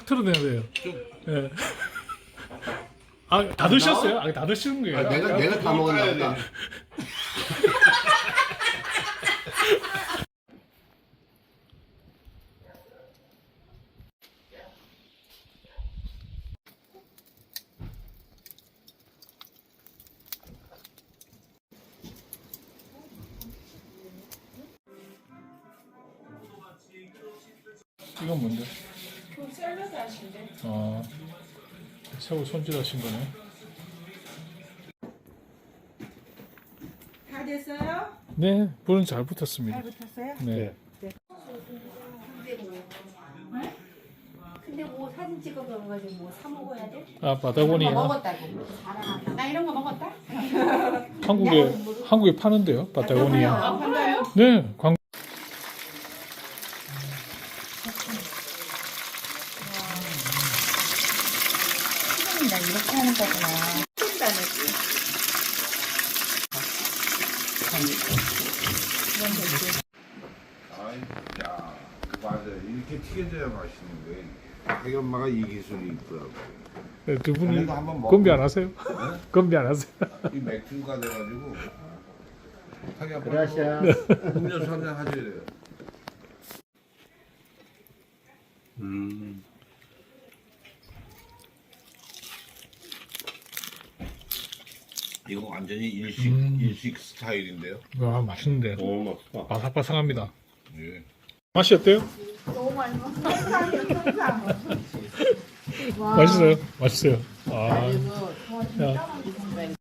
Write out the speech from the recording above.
틀어내야 돼요. 예. 아, 다 드셨어요? 아, 다 드시는 거예요? 아, 내가 다 먹었나 보다. 이건 뭔데? 그 샐러드 하신대. 아, 새우 손질하신 거네. 다 됐어요? 네, 불은 잘 붙었습니다. 잘 붙었어요? 네. 근데 뭐 사진 찍어 가지고 뭐 사 먹어야 돼? 아, 바다고니아. 먹었다고. 자랑한다. 나 이런 거 먹었다? 한국에 파는데요, 바다고니아. 아, 그래요? 네, 나 이렇게 하는 거구나. 쫀다네지. 아이, 야, 맞아. 이렇게 튀겨져야 맛있는 거예요. 자기 엄마가 이 기술이 있더라고. 네, 두 분이 그래도 한번 먹어보고. 건비 안 하세요? 건비 안 하세요? 이 맥주가 돼가지고 자기 아빠 그라시아. 음료수 한잔 하셔야 돼요. 이거 완전히 일식 스타일인데요. 와, 맛있는데. 오, 맛있다. 바삭바삭합니다. 예. 맛이 어때요? 너무 많이 먹어. 항상. 맛있어요? 맛있어요. 아, 그리고 더 야. 짜만